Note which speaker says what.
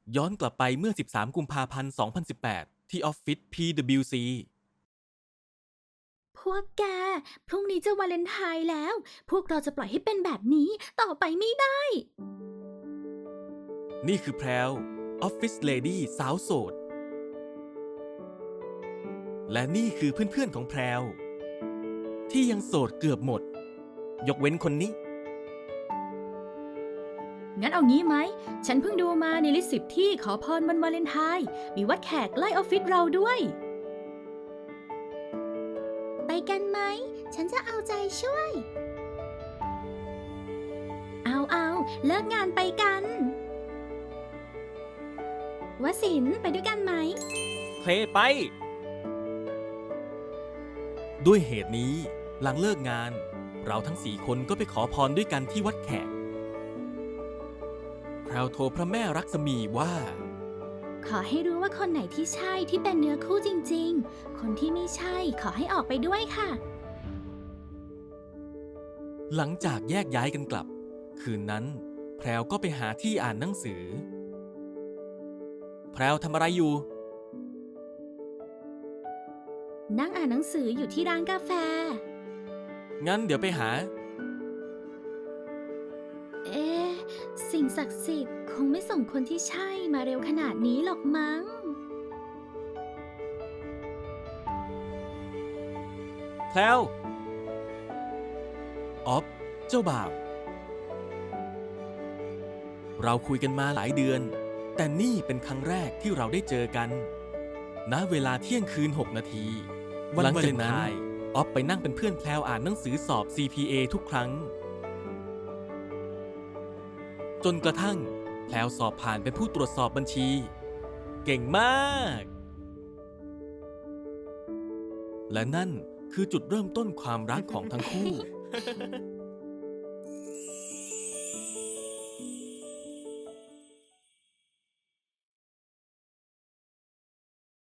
Speaker 1: ย้อนกลับไปเมื่อ 13 กุมภาพันธ์ 2018 ที่ออฟฟิศ PwC
Speaker 2: พวกแก พรุ่งนี้จะวาเลนไทน์แล้ว พวกเราจะปล่อยให้เป็นแบบนี้ต่อไปไม่ได้
Speaker 1: นี่คือแพรวออฟฟิศเลดี้สาวโสด และนี่คือเพื่อนๆของแพรวที่ยังโสดเกือบหมด ยกเว้นคนนี้
Speaker 2: งั้นเอางี้ไหม ฉันเพิ่งดูมาในลิสต์10ที่ขอพรวันวาเลนไทน์มีวัดแขกใกล้ออฟฟิศเราด้วย ไปกันไหม ฉันจะเอาใจช่วย เอาเลิกงานไปกันวสินทร์ไปด้วยกันไหม
Speaker 1: เพลไป ด้วยเหตุนี้หลังเลิกงาน เราทั้ง4 คนก็ไปขอพรด้วยกันที่วัดแขก แพรวโทรพระแม่ลักษมีว่า
Speaker 2: ขอให้รู้ว่าคนไหนที่ใช่ที่เป็นเนื้อคู่จริงๆ คนที่ไม่ใช่ขอให้ออกไปด้วยค่ะ
Speaker 1: หลังจากแยกย้ายกันกลับ คืนนั้นแพรวก็ไปหาที่อ่านหนังสือ แพรวทำอะไรอยู่
Speaker 2: นั่งอ่านหนังสืออยู่ที่ร้านกาแฟ
Speaker 1: งั้นเดี๋ยวไปหา
Speaker 2: เอ๊ะ สิ่งศักดิ์สิทธิ์คงไม่ส่งคนที่ใช่มาเร็วขนาดนี้หรอกมั้ง
Speaker 1: แพรวออฟเจ้าบ่าว เราคุยกันมาหลายเดือน แต่นี่เป็นครั้งแรกที่เราได้เจอกัน ณ เวลาเที่ยงคืน 6 นาที หลังจากนั้นออฟไปนั่งเป็นเพื่อนแพรวอ่านหนังสือสอบ CPA ทุกครั้ง จนกระทั่งแพรวสอบผ่านเป็นผู้ตรวจสอบบัญชี เก่งมาก และนั่นคือจุดเริ่มต้นความรักของทั้งคู่